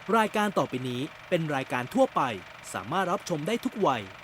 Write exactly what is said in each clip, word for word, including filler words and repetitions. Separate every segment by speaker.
Speaker 1: รายการต่อไปนี้เป็นรายการทั่วไปสามารถรับชมได้ทุกวัย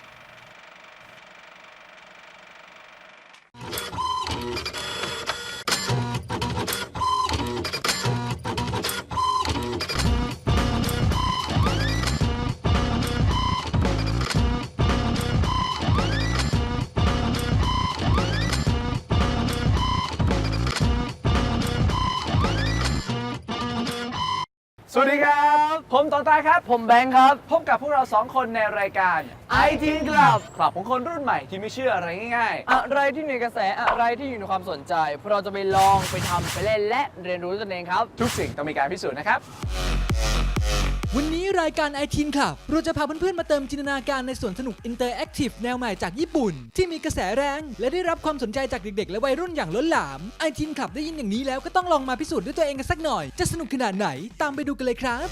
Speaker 2: สวัสดีครับผมต่อตายครับผมแบงค์ครับพบกับพวกเราสองคนในรายการ ไอ ที Club คลับของคนรุ่นใหม่ที่ไม่เชื่ออะไรง่าย
Speaker 3: ๆอะไรที่อยู่ในกระแสอะไรที่อยู่ในความสนใจพวกเราจะไปลองไปทำไปเล่นและเรียนรู้ตนเองครับ
Speaker 2: ๆทุกสิ่งต้องมีการพิสูจน์นะครับ
Speaker 4: วันนี้รายการ ไอ ที Club เราจะพาเพื่อนๆมาเติมจินตนาการในสวนสนุกอินเตอร์แอคทีฟแนวใหม่จากญี่ปุ่น ที่มีกระแสแรงและได้รับความสนใจจากเด็กๆและวัยรุ่นอย่างล้นหลาม ไอ ที Club ได้ยินอย่างนี้แล้วก็ต้องลองมาพิสูจน์ด้วยตัวเองกันสักหน่อยจะสนุกขนาดไหนตามไปดูกันเลยครับ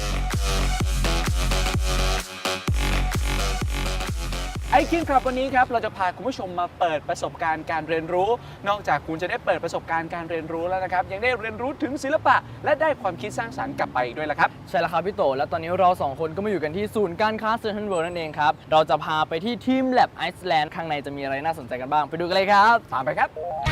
Speaker 2: ไอ ที Club วันนี้ครับเราจะพาคุณผู้ชมมาเปิดประสบการณ์การเรียนรู้ นอกจากคุณจะได้เปิดประสบการณ์การเรียนรู้แล้วนะครับยังได้เรียนรู้ถึงศิลปะ และได้ความคิดสร้างสรรค์กลับไปอีกด้วยละครับ
Speaker 3: ใช่แล้วครับพี่โตและตอนนี้เราสองคนก็มาอยู่กันที่ศูนย์การค้าเซ็นทรัลเวิลด์นั่นเองครับเราจะพาไปที่ทีม Lab Iceland ข้างในจะมีอะไรน่าสนใจกันบ้างไปดูกันเลยครับ
Speaker 2: ตามไปครับ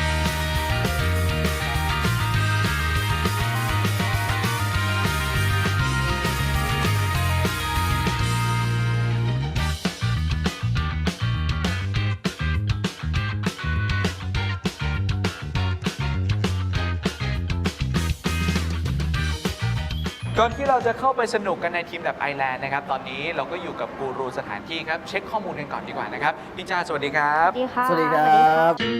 Speaker 2: ก่อนที่เราจะเข้าไปสนุกกันในทีมแบบไอแลนด์นะครับตอนนี้เราก็อยู่กับกูรูสถานที่ครับเช็คข้อมูลกันก่อนดีกว่านะครับพี่จ้าสวัสดีครับ
Speaker 5: สวัสดีค่ะ
Speaker 3: สวัสดีครับ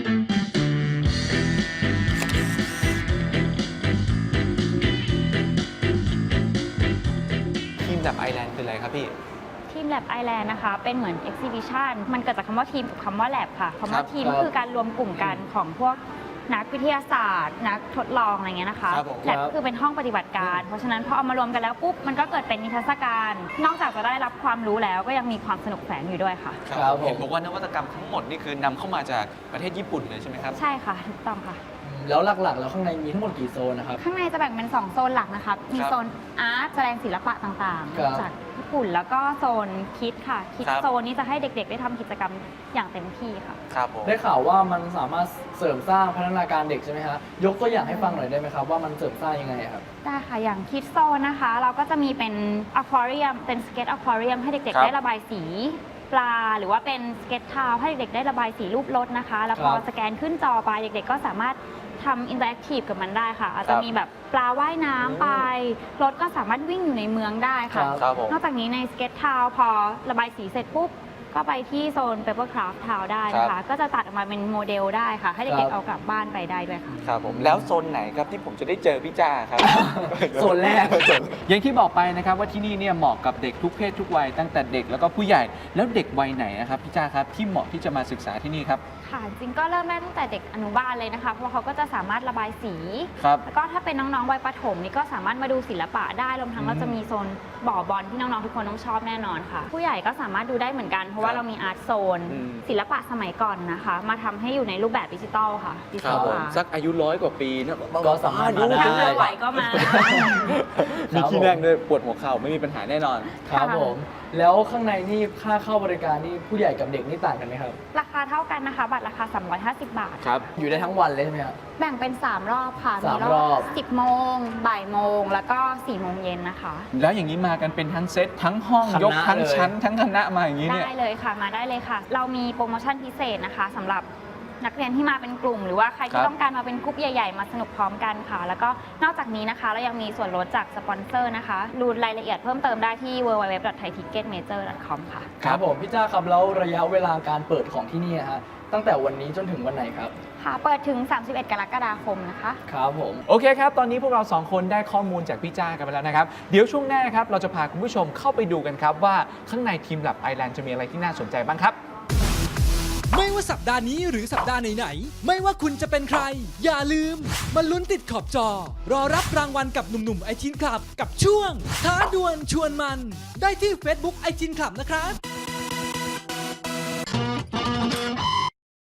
Speaker 2: ทีมแบบไอแลนด์คืออะไรครับพี่
Speaker 5: ทีม Lab Island นะคะเป็นเหมือน exhibition มันเกิดจากคำว่าทีมกับคำว่า lab ค่ะคำ
Speaker 2: ครั
Speaker 5: ว่า
Speaker 2: บ
Speaker 5: ทีม
Speaker 3: ครับ
Speaker 5: ก็คือการรวมกลุ่มกันของพวกนักวิทยาศาสตร์ นักทดลองอะไรเงี้ยนะคะ
Speaker 2: ครับผม
Speaker 5: lab ก็คือเป็นห้องปฏิบัติการ เพราะฉะนั้นพอเอามารวมกันแล้วปุ๊บมันก็เกิดเป็นนิทรรศการ นอกจากจะได้รับความรู้แล้วก็ยังมีความสนุกแฝงอยู่ด้วยค่ะ
Speaker 3: ครับผม
Speaker 2: เห็นบอกว่านวัตกรรมทั้งหมดนี่คือนำเข้ามาจากประเทศญี่ปุ่นเลยใช่ไหมครับ
Speaker 5: ใช่ค่ะถูกต้องค่ะ
Speaker 3: แล้วหลักๆ แล้วข้างในมีทั้งหมดกี่โซนนะครับ
Speaker 5: ข้างในจะแบ่งเป็นสองโซนหลักนะคะมี
Speaker 2: ครับ
Speaker 5: โซนอาร์ตแสดงศิลปะต่าง
Speaker 3: ครับ
Speaker 5: ๆ จากญี่ปุ่นแล้วก็โซนคิดค่ะคิด
Speaker 2: ครับ
Speaker 5: โซนนี้จะให้เด็กๆ ได้ทำกิจกรรมอย่างเต็มที่ค่ะ
Speaker 2: ครับผม
Speaker 3: ได้ข่าวว่ามันสามารถเสริมสร้างพัฒนาการเด็กใช่ไหมฮะยกตัวอย่างให้ฟังหน่อยได้ไหมครับว่ามันเสริมสร้างยังไงครับ
Speaker 5: ได้ค่ะ อย่างคิดโซนนะคะ เราก็จะมีเป็นอควาเรียมเป็นสเก็ตอควาเรียมให้เด็ก
Speaker 2: ครั
Speaker 5: ๆ
Speaker 2: บ
Speaker 5: ได้ระบายสีปลา หรือว่าเป็นสเก็ตทาวให้เด็กๆได้ระบายสีรูปรถนะคะ แล้วพอ
Speaker 3: ครับ
Speaker 5: สแกนขึ้นจอไปเด็กๆ ก็สามารถทำอินเตอร์แอคทีฟกับมันได้ค่ะ อาจ
Speaker 2: ค
Speaker 5: จะ
Speaker 2: รับ
Speaker 5: มีแบบปลาว่ายน้ำไป รถก็สามารถวิ่งอยู่ในเมืองได้ค่ะ
Speaker 3: ครับ
Speaker 2: ครับผม
Speaker 5: นอกจากนี้ในสเก็ตทาวพอระบายสีเสร็จปุ๊บ ก็ไปที่โซน Papercraft Town ได้นะ
Speaker 2: ครั
Speaker 5: คะ
Speaker 2: บ
Speaker 5: ก็จะตัดออกมาเป็นโมเดลได้ค่ะ ให้
Speaker 3: ครั
Speaker 5: เด็ก
Speaker 3: บ
Speaker 5: ๆ เอากลับบ้านไปได้ด้วยค่ะ
Speaker 2: ครับผมแล้วโซนไหนครับที่ผมจะได้เจอพี่จ้าครับ
Speaker 3: โซนแรก
Speaker 2: อย่างที่บอกไปนะครับว่าที่นี่เนี่ยเหมาะกับเด็กทุกเพศทุกวัยตั้งแต่เด็กแล้วก็ผู้ใหญ่แล้วเด็กวัยไหนนะครับพี่จ้าครับที่เหมาะที่จะมาศึกษาที่นี่ครับ
Speaker 5: ค่ะจริงก็เริ่มได้ตั้งแต่เด็กอนุบาลเลยนะคะ เพราะเขาก็จะสามารถระบายสี
Speaker 2: ครับ
Speaker 5: แล้วก็ถ้าเป็นน้องๆวัยประถมนี่ก็สามารถมาดูศิลปะได้รวมทั้งเราจะมีโซนบ่อบอลที่น้องๆทุกคนต้องชอบแน่นอนค่ะ ผู้ใหญ่ก็สามารถดูได้เหมือนกันเพราะว่าเรามีอาร์ตโซน
Speaker 2: อืม
Speaker 5: ศิลปะสมัยก่อนนะคะ มาทำให้อยู่ในรูปแบบดิจิตอลค่ะดิจิตอลอาร์ต
Speaker 2: สักอายุร้อยกว่าปีนะ
Speaker 3: ก็สามารถมาได้
Speaker 5: ถ้าไม่ไหวก็มา
Speaker 2: มีที่นั่งด้วยปวดหัวเข่าไม่มีปัญหาแน่นอน
Speaker 3: ครับผม แล้วข้างในนี่ค่าเข้าบริการนี่ผู้ใหญ่กับเด็กนี่ต่างกันไหมครับ
Speaker 5: ราคาเท่ากันนะคะ บัตรราคา สามร้อยห้าสิบบาท
Speaker 2: ครับ
Speaker 3: อยู่ได้ทั้งวันเลยใช่ไหมครับ
Speaker 5: แบ่งเป็น สาม รอบค่ะ
Speaker 3: สาม
Speaker 5: มี
Speaker 3: รอบ
Speaker 5: สิบโมงบ่ายโมงแล้วก็สี่โมงเย็นนะคะ
Speaker 2: แล้วอย่างนี้มากันเป็นทั้งเซตทั้งห้อง
Speaker 3: คณะ
Speaker 2: ยกทั้ง
Speaker 3: เลย
Speaker 2: ชั้นทั้งคณะมาอย่างนี้เนี่ย
Speaker 5: ได้เลยค่ะมาได้เลยค่ะ เรามีโปรโมชั่นพิเศษนะคะสำหรับนักเรียนที่มาเป็นกลุ่ม หรือว่าใคร
Speaker 2: ค
Speaker 5: ที่
Speaker 2: รับ
Speaker 5: ต้องการมาเป็นกลุ่มใหญ่ ๆ มาสนุกพร้อมกันค่ะ แล้วก็นอกจากนี้นะคะเรายังมีส่วนลดจากสปอนเซอร์นะคะดูรายละเอียดเพิ่มเติมได้ที่ ดับเบิลยู ดับเบิลยู ดับเบิลยู ดอท ไทย ทิกเก็ตเมเจอร์ ดอท คอม ค่ะ
Speaker 3: ครับผมพี่จ้าครับแล้วระยะเวลาการเปิดของที่นี่ฮะตั้งแต่วันนี้จนถึงวันไหนครับ
Speaker 5: ค่ะ เปิดถึง สามสิบเอ็ด กรกฎาคมนะคะ
Speaker 3: ครับผม
Speaker 2: โอเคครับ ตอนนี้พวกเราสองคนได้ข้อมูลจากพี่จ้ากันไปแล้วนะครับ เดี๋ยวช่วงหน้าครับ เราจะพาคุณผู้ชมเข้าไปดูกันครับว่าข้างในทีม Lab Island จะมีอะไรที่น่าสนใจบ้างครับ
Speaker 4: ไม่ว่าสัปดาห์นี้หรือสัปดาห์ไหนๆไม่ว่าคุณจะเป็นใคร อย่าลืมมาลุ้นติดขอบจอ รอรับรางวัลกับหนุ่มๆไอทีนคลับกับช่วงท้าดวลชวนมัน ได้ที่ Facebook ไอทีนคลับนะครับ